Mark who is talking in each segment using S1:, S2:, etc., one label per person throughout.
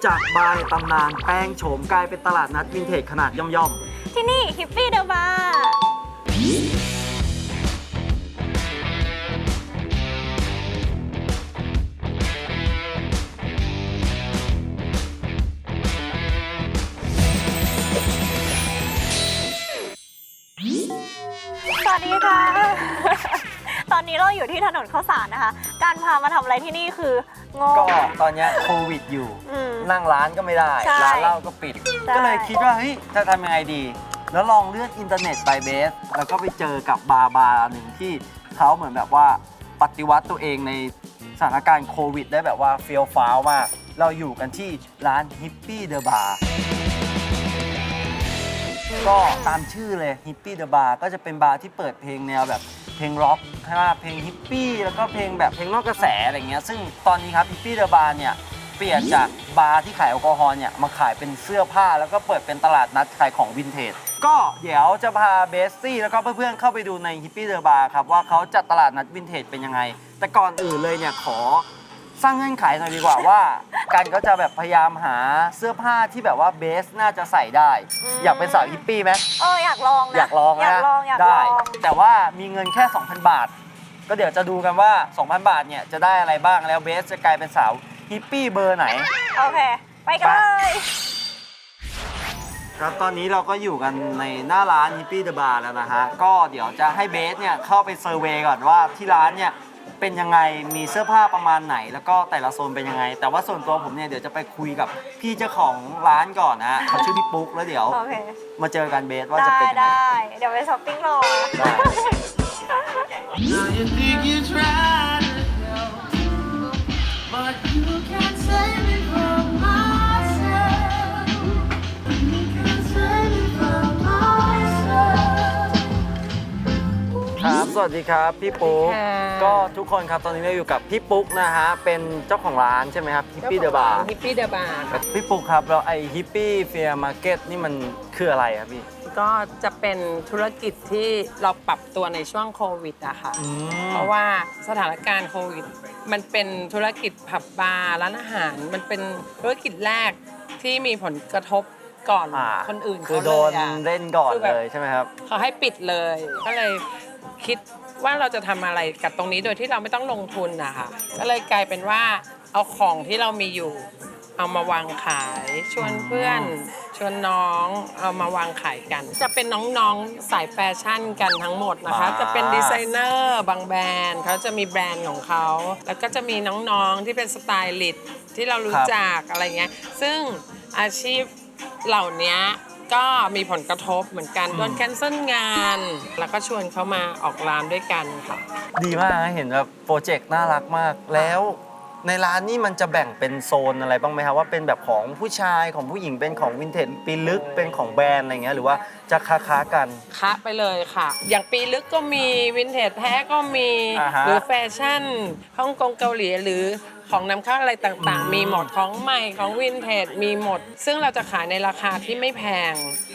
S1: จากบาร์ในตำนานแปลงโฉมกลายเป็นตลาดนัดวินเทจขนาดย่อม
S2: ที่นี่ฮิปปี้เดอะบาร์สวัสดีค่ะ ตอนนี้เราอยู่ที่ถนนข้าวสารนะคะ การพามาทำอะไรที่นี่คืองง
S1: ก็ตอนนี้โควิดอยู่นั่งร้านก็ไม่ได้ร้านเหล้าก็ปิดก็เลยคิดว่าเฮ้ยจะทำยังไงดีแล้วลองเลื่อนอินเทอร์เน็ตไปเบสแล้วก็ไปเจอกับบาร์หนึ่งที่เขาเหมือนแบบว่าปฏิวัติตัวเองในสถานการณ์โควิดได้แบบว่าเฟี้ยวฟ้าวมากเราอยู่กันที่ร้านฮิปปี้เดอะบาร์ก็ตามชื่อเลยฮิปปี้เดอะบาร์ก็จะเป็นบาร์ที่เปิดเพลงแนวแบบเพลงร็อกใช่ไหมเพลงฮิปปี้แล้วก็เพลงแบบเพลงนอกกระแสอะไรเงี้ยซึ่งตอนนี้ครับฮิปปี้เดอะบาร์เนี่ยเปลี่ยนจากบาร์ที่ขายแอลกอฮอล์เนี่ยมาขายเป็นเสื้อผ้าแล้วก็เปิดเป็นตลาดนัดขายของวินเทจก็เดี๋ยวจะพาเบสซี่แล้วก็เพื่อนๆเข้าไปดูในฮิปปี้เดอะบาร์ครับว่าเขาจัดตลาดนัดวินเทจเป็นยังไงแต่ก่อนอื่นเลยเนี่ยขอสร้างเงื่อนไขหน่อยดีกว่าว่าการเขาจะแบบพยายามหาเสื้อผ้าที่แบบว่าเบสน่าจะใส่ได้อยากเป็นสาวฮิปปี้ไหม
S2: อยากลองนะ
S1: อยากลองนะได้แต่ว่ามีเงินแค่ 2,000 บาทก็เดี๋ยวจะดูกันว่า 2,000 บาทเนี่ยจะได้อะไรบ้างแล้วเบสจะกลายเป็นสาวฮิปปี้เบอร์ไหน
S2: โอเคไปกันเลย
S1: ครับตอนนี้เราก็อยู่กันในหน้าร้านฮิปปี้เดอะบาร์แล้วนะฮะก็เดี๋ยวจะให้เบสเนี่ยเข้าไปเซอร์เวย์ก่อนว่าที่ร้านเนี่ยเป็นยังไงมีเสื้อผ้าประมาณไหนแล้วก็แต่ละโซนเป็นยังไงแต่ว่าส่วนตัวผมเนี่ยเดี๋ยวจะไปคุยกับพี่เจ้าของร้านก่อนนะเขาชื่อพี่ปุ๊กแล้วเดี๋ยวมาเจอกันเบสว่าจะเป็นยังไง
S2: ได้เดี๋ยวไปช้อปปิ้งรอ
S1: ครับสวัสดีครับพี่ปุ๊กก็ทุกคนครับตอนนี้เราอยู่กับพี่ปุ๊กนะฮะเป็นเจ้าของร้านใช่ไหมครับฮิปปี้เดอะบาร์
S3: ฮิปปี้เดอะบาร์
S1: พี่ปุ๊กครับแล้วไอฮิปปี้เฟียร์มาร์เก็ตนี่มันคืออะไรครับพี่
S3: ก็จะเป็นธุรกิจที่เราปรับตัวในช่วงโควิดอะค่ะเพราะว่าสถานการณ์โควิดมันเป็นธุรกิจผับบาร์ร้านอาหารมันเป็นธุรกิจแรกที่มีผลกระทบก่อนคนอื่น
S1: คือโดนเล่นก่อนเลยใช่ไหมครับ
S3: เขาให้ปิดเลยก็เลยคิดว่าเราจะทำอะไรกับตรงนี้โดยที่เราไม่ต้องลงทุนนะคะก็เลยกลายเป็นว่าเอาของที่เรามีอยู่เอามาวางขายชวนเพื่อนชวนน้องเอามาวางขายกันจะเป็นน้องๆสายแฟชั่นกันทั้งหมดนะคะจะเป็นดีไซเนอร์บางแบรนด์เขาจะมีแบรนด์ของเขาแล้วก็จะมีน้องๆที่เป็นสไตลิสต์ที่เรารู้จักอะไรเงี้ยซึ่งอาชีพเหล่านี้ก็มีผลกระทบเหมือนกันโดนแคนเซิลงานแล้วก็ชวนเขามาออกร้านด้วยกันค่ะ
S1: ดีมากเห็นแบบโปรเจกต์น่ารักมากแล้วในร้านนี่มันจะแบ่งเป็นโซนอะไรบ้างไหมครับว่าเป็นแบบของผู้ชายของผู้หญิงเป็นของวินเทจปีลึกเป็นของแบรนด์อะไรเงี้ยหรือว่าจะค้ากัน
S3: ค้าไปเลยค่ะอย่างปีลึกก็มีวินเทจแท้ก็มีหรือแฟชั่นฮ่องกงเกาหลีหรือของนำเข้าอะไรต่างๆมีหมดของใหม่ของวินเทจมีหมดซึ่งเราจะขายในราคาที่ไม่แพง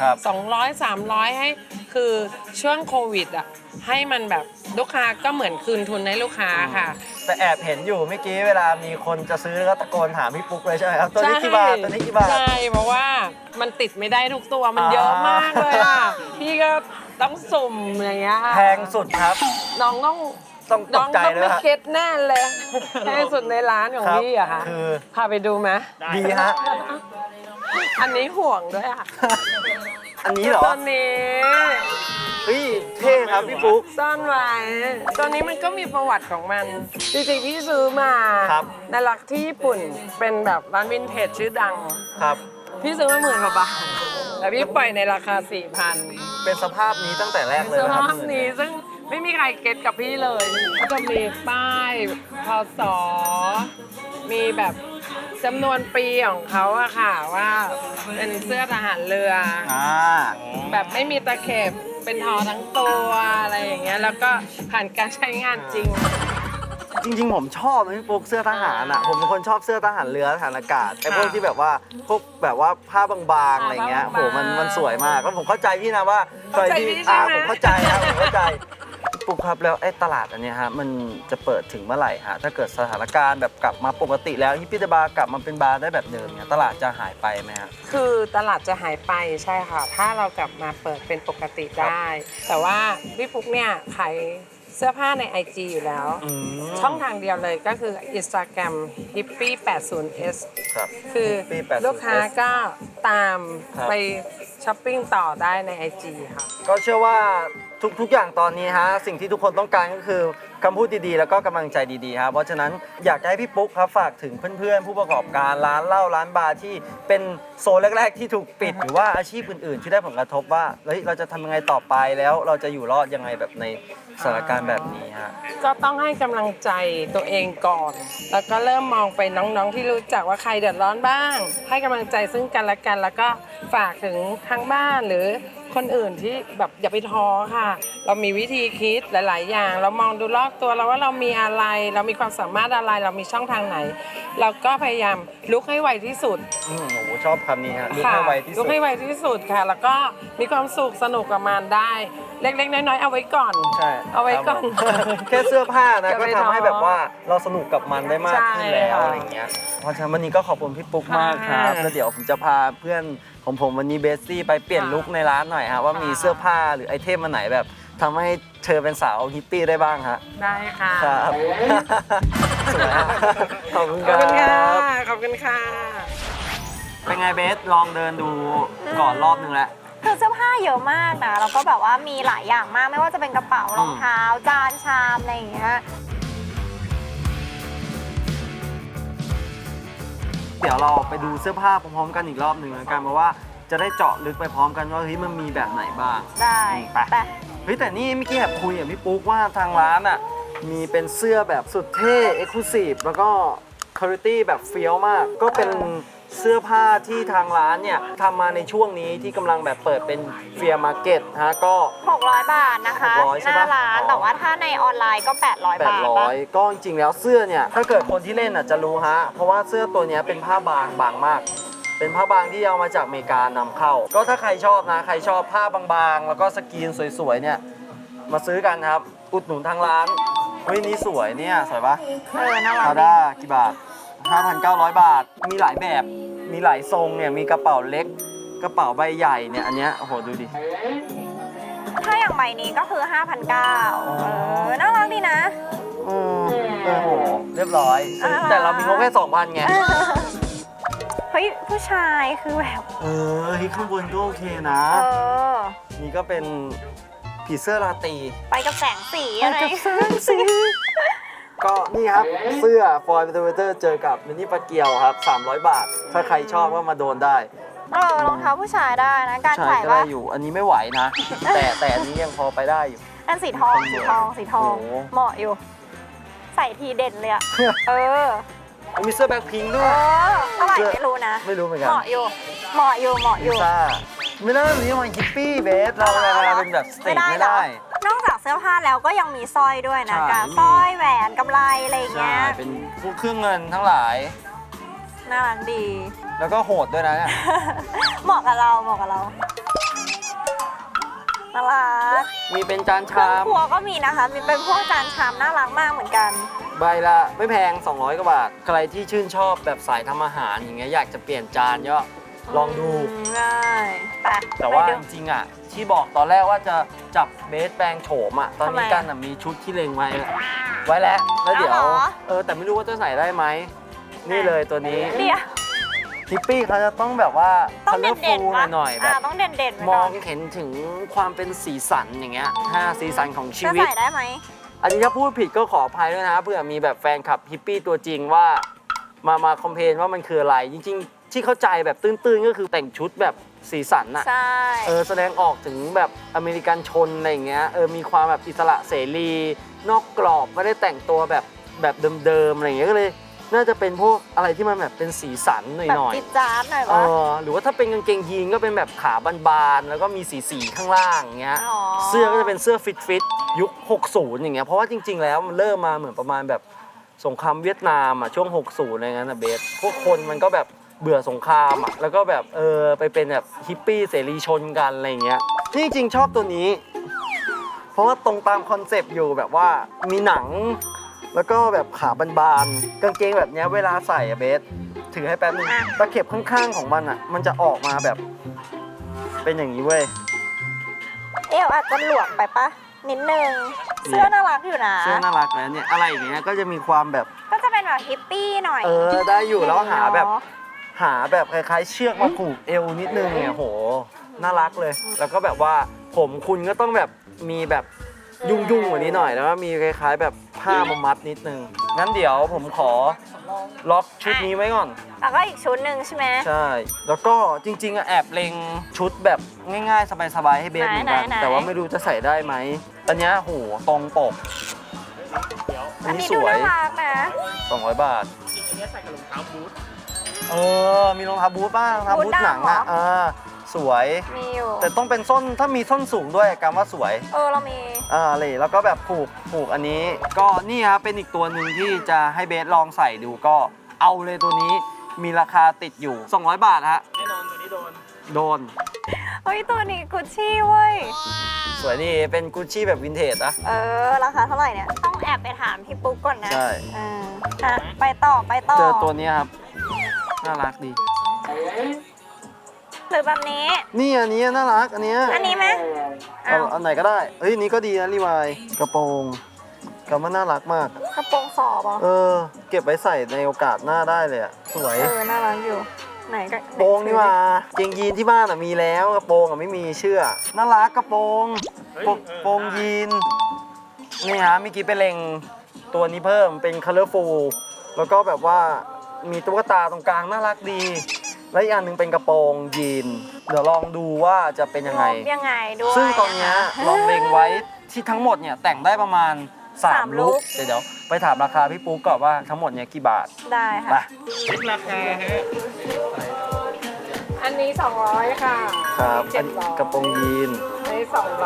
S3: 200-300ให้คือช่วงโควิดอ่ะให้มันแบบลูกค้าก็เหมือนคืนทุนให้ลูกค้าค่ะ
S1: แต่แอบเห็นอยู่เมื่อกี้เวลามีคนจะซื้อก็ตะโกนถามพี่ปุ๊กเลยใช่ไหมครับตัวนี้กี่บาทตัวนี้กี่บาท
S3: ใช่เพราะว่ามันติดไม่ได้ทุกตัวมันเยอะมากเลยอ่ะพี่ก็ต้องสุ่มอย่างเงี้ย
S1: แพงสุดครับ
S3: น้องต้อง
S1: ตกใจเลย
S3: ไม่เก็ตแน่เลยแพงสุดในร้านของพี่อะค่ะพาไปดูไหม
S1: ดีฮะ
S3: อันนี้ห่วงด้วยอะ
S1: อันนี้เหรอ
S3: ตัวนี้
S1: เฮ้ยเท่ครับพี่ปุ๊ก
S3: ซ่อนไว้ตัวนี้มันก็มีประวัติของมันจริงๆพี่ซื้อมาในรักที่ญี่ปุ่นเป็นแบบร้านวินเทจชื่อดัง
S1: ครับ
S3: พี่ซื้อมา10,000 กว่าบาทแต่พี่ปล่อยในราคา 4,000
S1: เป็นสภาพนี้ตั้งแต่แรกเลย
S3: สภาพนี้ซึ่งไม่มีใครเก็ตกับพี่เลยก็จะมีป้ายพศมีแบบจำนวนปีของเขาอะค่ะว่าเป็นเสื้อทหารเรือแบบไม่มีตะเข็บเป็นทอทั้งตัวอะไรอย่างเงี้ยแล้วก็ผ่านการใช้งานจริง
S1: ผมชอบนะพี่ปุ๊กเสื้อทหารอ่ะผมเป็นคนชอบเสื้อทหารเรือทหารอากาศไอ้พวกที่แบบว่าพวกแบบว่าผ้าบางๆอะไรเงี้ยโหมันสวยมากแล้วผมเข้าใจพี่นะว่า
S3: เข้าใจพี่ใช่ไหม
S1: ผมเข้าใจนะผมเข้าใจปุ๊กครับแล้วไอ้ตลาดอันเนี้ยฮะมันจะเปิดถึงเมื่อไหร่ฮะถ้าเกิดสถานการณ์แบบกลับมาปกติแล้วฮิปปี้เดอะบาร์กลับมาเป็นบาร์ได้แบบเดิมเนี่ยตลาดจะหายไปไหมฮะ
S3: คือตลาดจะหายไปใช่ค่ะ ถ้าเรากลับมาเปิดเป็นปกติได้ แต่ว่าพี่ปุ๊กเนี่ยขายเสื้อผ้าใน IG อยู่แล้ว ช่องทางเดียวเลยก็คือ Instagram hippie 80s
S1: ครับ
S3: คือ
S1: hippie 80s
S3: ลูกค้าก็ตาม
S1: ครับ
S3: ไปช้อปปิ้งต่อได้ใน IG ค่ะ
S1: ก็เชื่อว่าทุกอย่างตอนนี้ฮะสิ่งที่ทุกคนต้องการก็คือคำพูดดีๆ แล้วก็กำลังใจดีๆครับเพราะฉะนั้นอยากจะให้พี่ปุ๊กครับฝากถึงเพื่อนๆ ผู้ประกอบการร้านเหล้าร้านบาร์ที่เป็นโซนแรกๆที่ถูกปิด หรือว่าอาชีพอื่นๆ ที่ได้ผลกระทบว่าเฮ้ยเราจะทำยังไงต่อไปแล้วเราจะอยู่รอดยังไงแบบในสถานการณ์แบบนี้ฮะ
S3: ก็ต้องให้กำลังใจตัวเองก่อน แล้วก็เริ่มมองไปน้องๆที่รู้จักว่าใครเดือดร้อนบ้าง ให้กำลังใจซึ่งกันและกัน แล้วก็ฝากถึงทางบ้านหรือคนอื่นที่แบบอย่าไปท้อค่ะ เรามีวิธีคิดหลายๆ อย่าง เรามองดูรอบตัวเราว่าเรามีอะไร เรามีความสามารถอะไร เรามีช่องทางไหน เราก็พยายามลุกให้ไวที่สุด
S1: โอ้โหชอบคำนี้ฮะลุกให้ไวที่สุ
S3: ลุ
S1: ด
S3: กให้ไวที่สุดค่ะ แล้วก็มีความสุขสนุกกับมันได้ เล็กๆ น้อยๆ เอาไว้ก่อน
S1: ใช่
S3: เอาไว้ก่อน
S1: ครับผมแค่เสื้อผ้านะ
S3: อย่า
S1: ก็
S3: ไป
S1: ทำให้
S3: ท้อ
S1: แบบว่าเราสนุกกับมันได้มากขึ้นแล้ว
S3: ใช่ค่ะ
S1: อะไรอย่างเงี้ยเพราะฉะนั้นวันนี้ก็ขอบคุณพี่ปุ๊กมากครับ
S3: ค่ะ
S1: แล้วเดี๋ยวผมจะพาเพื่อนของผมวันนี้เบสซี่ไปเปลี่ยน
S3: ค่ะ
S1: ลุคในร้านหน่อยฮะว่ามี
S3: ค่ะ
S1: เสื้อผ้าหรือไอเทมอันไหนแบบทำให้เธอเป็นสาวฮิปปี้ได้บ้างฮะ
S3: ได้ค่ะ
S1: ครับ สวยฮะขอบคุณ
S3: ข
S1: ค
S3: อบคุณค่ะ
S1: รับ
S3: ขอบคุณค่ะ
S1: เป็นไงเบสลองเดินดูก่อนรอบนึงแล้ว
S2: คือเสื้อผ้าเยอะมากนะแล้วก็แบบว่ามีหลายอย่างมากไม่ว่าจะเป็นกระเป๋ารองเท้าจานชามอะไรอย่างเงี้ย
S1: เดี๋ยวเราไปดูเสื้อผ้าพร้อมๆกันอีกรอบหนึ่งแล้วกันเพราะว่าจะได้เจาะลึกไปพร้อมกันว่าเฮ้ยมันมีแบบไหนบ้าง
S2: ได้
S1: ไป
S2: ไป
S1: เฮ้ยแต่นี่เมื่อกี้แอบคุยกับพี่ปุ๊กว่าทางร้านอ่ะมีเป็นเสื้อแบบสุดเท่เอ็กซ์คลูซีฟแล้วก็คุณภาพแบบเฟี้ยวมาก ก็เป็นเสื้อผ้าที่ทางร้านเนี่ยทำมาในช่วงนี้ที่กำลังแบบเปิดเป็นเฟียร์มาร์เก็ตฮะก็
S2: 600 บาทนะคะ
S1: 600ใช่
S2: ห
S1: ปะ
S2: น้าร้าน
S1: อ๋อ
S2: แต่ว่าถ้าในออนไลน์ก็ 800 บาทปะ
S1: 800ก็จริงๆแล้วเสื้อเนี่ยถ้าเกิดคนที่เล่นอ่ะจะรู้ฮะเพราะว่าเสื้อตัวเนี้ยเป็นผ้าบางมาก เป็นผ้าบางที่เอามาจากอเมริกานำเข้า ก็ถ้าใครชอบนะใครชอบผ้าบางๆ แล้วก็สกรีนสวยๆเนี่ยมาซื้อกันครับอุดหนุนทางร้านเฮ้ยนี่สวยเนี่ยสวยปะ
S2: น่ารัก
S1: พา
S2: ดี
S1: ด้ากี่บาท 5,900 บาท มีหลายแบบมีหลายทรงเนี่ยมีกระเป๋าเล็กกระเป๋าใบใหญ่เนี่ยอันเนี้ยโอ้โหดูดิ
S2: ถ้าอย่างใบนี้ก็คือ 5,900น่ารักดีนะ
S1: โอ้โหเรียบร้อยซึ่งแต่เรามีงบแค่ 2,000 ไง
S2: เฮ้ยผู้ชายคือแบบ
S1: เฮ้ยข้างบนก็โอเคนะ
S2: อ
S1: นี่ก็เป็นผีเสื้อราตรี
S2: ไปกับแสงสีอะไร
S1: ก็นี่ครับ เสื้อฟอยล์เบเตอร์เจอกับมินิปลาเกียวครับ 300 บาท ถ้าใครชอบก็มาโดนได้
S2: รองเท้าผู้ชายได้นะ การ
S1: ใช่
S2: ใส่
S1: ก็
S2: ว่า
S1: ได้อยู่ อันนี้ไม่ไหวนะ แต่อันนี้ยังพอไปได้อยู่
S2: อันสีทองสีทองสีทอง
S1: โอ้โห
S2: เหมาะอยู่ ใส่ทีเด่นเลยอะเออ
S1: มีเสื้อแบ็คพิงค์
S2: เอ
S1: ด้วย
S2: อเท่าไหร่ไม่รู้นะ
S1: ไม่รู้เหมือนกั
S2: เห
S1: น
S2: มาะอยู่เหมาะอยู่เหมาะอ
S1: ลิ
S2: ยู่
S1: ซ่าไม่ได้แบบนี้มันฮิปปี้เบสเรามาเป็นแบบสตรีทไม่
S2: เหรอ
S1: ได้
S2: นอกจากเสื้อผ้าแล้วก็ยังมีสร้อยด้วยนะ
S1: ใช่
S2: การสร้อยแหวนกำไรอะไรอย่าง
S1: ใช่
S2: เงี้ย
S1: เป็นพวกเครื่องเงินทั้งหลาย
S2: น่ารักดี
S1: แล้วก็โหดด้วยนะเนี่ย
S2: เหมาะกับเราเหมาะกับเราน่ารัก
S1: มีเป็นจาน
S2: เครื่อง
S1: ชาม
S2: ครัวก็มีนะคะ มีเป็นพวกจานชามน่ารักมากเหมือนกัน
S1: ใบละไม่แพง 200 กว่าบาท ใครที่ชื่นชอบแบบสายทำอาหารอย่างเงี้ยอยากจะเปลี่ยนจานก็ลองดู
S2: ง่ายไป
S1: แต่ว่า
S2: ไป
S1: จ
S2: ดู
S1: ริงๆอ่ะที่บอกตอนแรกว่าจะจับเบสแปลงโฉมอ่ะตอนนี้
S2: ทำไมอะ
S1: กันอ่ะมีชุดที่เล็งไว้แล้วแล้วเดี๋ยว
S2: เอาเหรอ
S1: แต่ไม่รู้ว่าจะใส่ได้ไหมนี่เลยตัวนี้
S2: เดี๋ยว
S1: ฮิปปี้เขาจะต้องแบบว่า
S2: ต้อง
S1: เลอร์
S2: เด่น
S1: ฟู
S2: ๆปะ
S1: หน่อยๆแบบ
S2: ต้องเด่นๆไว้
S1: ม
S2: ก่
S1: อน งเห็นถึงความเป็นสีสันอย่างเงี้ยสีสันของชี
S2: จะ
S1: วิต
S2: ใส่ได้ไหม
S1: อันนี้ถ้าพูดผิดก็ขออภัยด้วยนะเผื่อมีแบบแฟนคลับฮิปปี้ตัวจริงว่ามาคอมเพลนว่ามันคืออะไร จริงๆ ที่เข้าใจแบบตื้นๆ ก็คือแต่งชุดแบบสีสันอะ
S2: ใช่
S1: แสดงออกถึงแบบอเมริกันชนอะไรอย่างเงี้ยมีความแบบอิสระเสรี นอกกรอบไม่ได้แต่งตัวแบบเดิมๆอะไรอย่างเงี้ยก็เลยน่าจะเป็นพวกอะไรที่มันแบบเป็นสีสันห
S2: แบบ
S1: น่อย
S2: จิ๊ดจ๊าดหน่อย
S1: ๆ
S2: วะ
S1: หรือว่าถ้าเป็นกางเกงยีนก็เป็นแบบขาบานๆแล้วก็มีสีข้างล่างอย่างเงี้ย
S2: อ๋อ
S1: เสื้อก็จะเป็นเสื้อฟิตยุค 60 อย่างเงี้ย เพราะว่าจริงๆ แล้วมันเริ่มมาเหมือนประมาณแบบสงครามเวียดนามอ่ะช่วง 60 อะไรเงี้ยนะเบส พวกคนมันก็แบบเบื่อสงครามอ่ะ แล้วก็แบบไปเป็นแบบฮิปปี้เสรีชนกันอะไรเงี้ยที่จริงๆชอบตัวนี้เพราะว่าตรงตามคอนเซปต์อยู่แบบว่ามีหนัง แล้วก็แบบขาบานๆกางเกงแบบเนี้ยเวลาใส่อะเบสถือให้แป๊บนึงตะเข็บข้างๆของมันอะมันจะออกมาแบบเป็นอย่างนี้เว้ย
S2: เอวอาจจะหลวมไปปะนิดนึง เสื้อน่ารักอยู่นะ
S1: เสื้อน่ารักนะเนี่ยอะไรอย่างเงี้ยก็จะมีความแบบ
S2: ก็จะเป็นแบบฮิปปี้หน่อย
S1: ได้อยู่แล้วหาแบบ
S2: เนอะ
S1: คล้ายๆเชือกมาผูกเอวนิดนึงเนี่ยโหน่ารักเลย แล้วก็แบบว่าผมคุณก็ต้องแบบมีแบบยุ่งๆกว่านี้หน่อยแล้วก็มีคล้ายๆแบบผ้ามามัดนิดนึงงั้นเดี๋ยวผมขอล็อกชุดนี้ไว้ก่อน
S2: แล้วก็อีกชุดหนึ่งใช่ไหม
S1: ใช่ แล้วก็จริงๆอะแอบเล็งชุดแบบง่ายๆ สบายๆให้เบสเหมือนกัน
S2: ไหนๆ
S1: แต่ว่าไม่รู้จะใส่ได้ไหมอันเนี้ยโหตรงปก
S2: อันนี้
S1: ส
S2: ดู
S1: วย
S2: น่ารักนะ
S1: 200 บาท
S4: อันนี้ใส่กับรองเท้าบูท
S1: มีรองเท้าบูทบ้างรองเท้าบูทหนังอ่ะสวย
S2: มีอยู่
S1: แต่ต้องเป็นส้นถ้ามีส้นสูงด้วยกำว่าสวย
S2: เรามี
S1: เลยแล้วก็แบบผูกอันนี้ ก็นี่ครับเป็นอีกตัวหนึ่งที่จะให้เบสลองใส่ดูก็เอาเลยตัวนี้มีราคาติดอยู่ 200 บาทฮะ
S4: แน่นอนตัวนี้โดน
S1: โดน
S2: เฮ้ยตัวนี้กุชชี่เว้ย
S1: สวยนี่เป็นกุชชี่แบบวินเทจนะ
S2: ราคาเท่าไหร่เนี่ย ต้องแอบไปถามพี่ปุ๊กก่อนนะ
S1: ใช่
S2: ไปต่อ
S1: เจอตัวนี้ครับ น่ารักดี
S2: หรือแบบนี้
S1: นี่อันนี้น่ารักอันเนี้ย
S2: อันนี้ไหม
S1: อันไหนก็ได้เฮ้ยอันนี้ก็ดีนะรีวายกระโปรงกำว่าน่ารักมาก
S2: กระโปรงสอบอ่ะ
S1: เก็บไว้ใส่ในโอกาสหน้าได้เลยอะสวย
S2: น่ารักอยู่ ไหนก็
S1: กระโปรงนี่มาเกงยีนที่บ้านมีแล้วกระโปรงไม่มีเชื่อน่ารักกระโปรงโปรงยีนนี่ฮะเมื่อกี้ไปเล็งตัวนี้เพิ่มเป็น colorful แล้วก็แบบว่ามีตุ๊กตาตรงกลางน่ารักดี และอีกอันหนึ่งเป็นกระโปรงยีนเดี๋ยวลองดูว่าจะเป็นยังไง
S2: ยังไงด้วย
S1: ซึ่งตอนเนี้ยลองเล็งไว้ที่ทั้งหมดเนี่ยแต่งได้ประมาณ3 ลุคเดี๋ยวไปถามราคาพี่ปุ๊กก่อนว่าทั้งหมดเนี่ยกี่บาท
S2: ได้
S1: ไป
S2: ค่ะ
S4: เช็คราคาฮะ
S3: อันนี้ 200 ค่ะ
S1: ครับอัน
S3: 700
S1: กระโปรงยีน
S3: อันนี้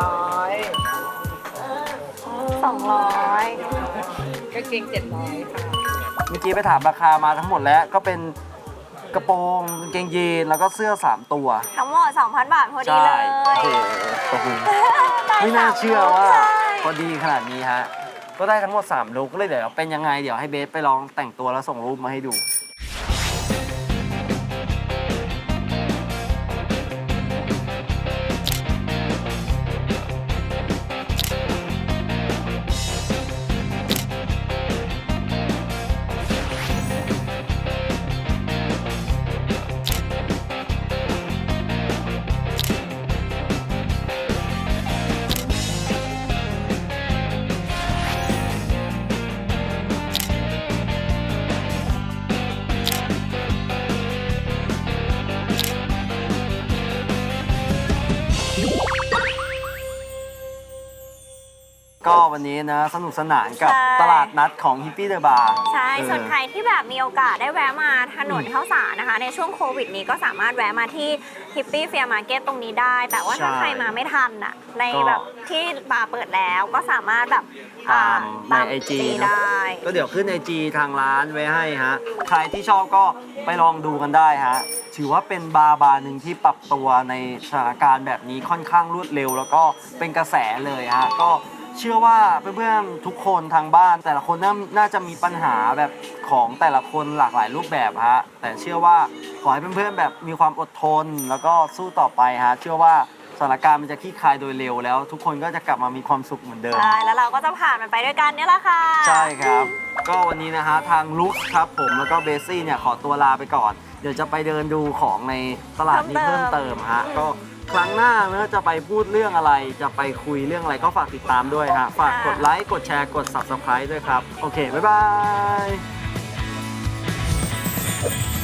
S2: 200
S3: 200กางเกง700 ค่ะ
S1: เมื่อกี้ไปถามราคามาทั้งหมดแล้วก็เป็นกระโปรงกางเกงยีนแล้วก็เสื้อ3 ตัว
S2: ทั้งหมด 2,000 บาทพอดีเลย
S1: โอ้โหขอบคุณ
S2: ได้
S1: ไม่น่าเชื่อว่า
S2: ใช่
S1: พอดีขนาดนี้ฮะก็ได้ทั้งหมด3 ลุคเลยเดี๋ยวเป็นยังไงเดี๋ยวให้เบสไปลองแต่งตัวแล้วส่งรูปมาให้ดู ก็วันนี้นะสนุกสนานกับ
S2: ใช่
S1: ตลาดนัดของฮิปปี้เดอะบาร์
S2: ใช่ ส่วนใครที่แบบมีโอกาสได้แวะมาถนนข้าวสารนะคะ ในช่วงโควิดนี้ก็สามารถแวะมาที่ฮิปปี้เฟียร์มาร์เก็ตตรงนี้ได้ แต่ว่าถ้าใครมาไม่ทันอ่ะ ในแบบที่บาร์เปิดแล้วก็สามารถแบบ
S1: ตามใน IG
S2: ได้
S1: ก็เดี๋ยวขึ้น IG ทางร้านไว้ให้ฮะ ใครที่ชอบก็ไปลองดูกันได้ฮะ ถือว่าเป็นบาร์หนึ่งที่ปรับตัวในสถานการณ์แบบนี้ค่อนข้างรวดเร็ว แล้วก็เป็นกระแสเลยฮะ ก็เชื่อว่าเพื่อนๆทุกคนทางบ้าน แต่ละคนน่าจะมีปัญหาแบบของแต่ละคนหลากหลายรูปแบบฮะ แต่เชื่อว่าขอให้เพื่อนๆแบบมีความอดทน แล้วก็สู้ต่อไปฮะ เชื่อว่าสถานการณ์มันจะคลี่คลายโดยเร็วแล้ว ทุกคนก็จะกลับมามีความสุขเหมือนเดิม
S2: ใช่ แล้วเราก็จะผ่านมันไปด้วยกันเนี่ยแหละค่ะ
S1: ใช่ครับ ก็วันนี้นะฮะทางลุคครับผมแล้วก็เบสซี่เนี่ยขอตัวลาไปก่อน เดี๋ยวจะไปเดินดูของในตลาดนี้เพิ่มเติมฮะ ก็ครั้งหน้าเมื่อจะไปพูดเรื่องอะไร จะไปคุยเรื่องอะไรก็ฝากติดตามด้วยฮะ ฝากกดไลค์ กดแชร์ กด Subscribe ด้วยครับ โอเค บ๊ายบาย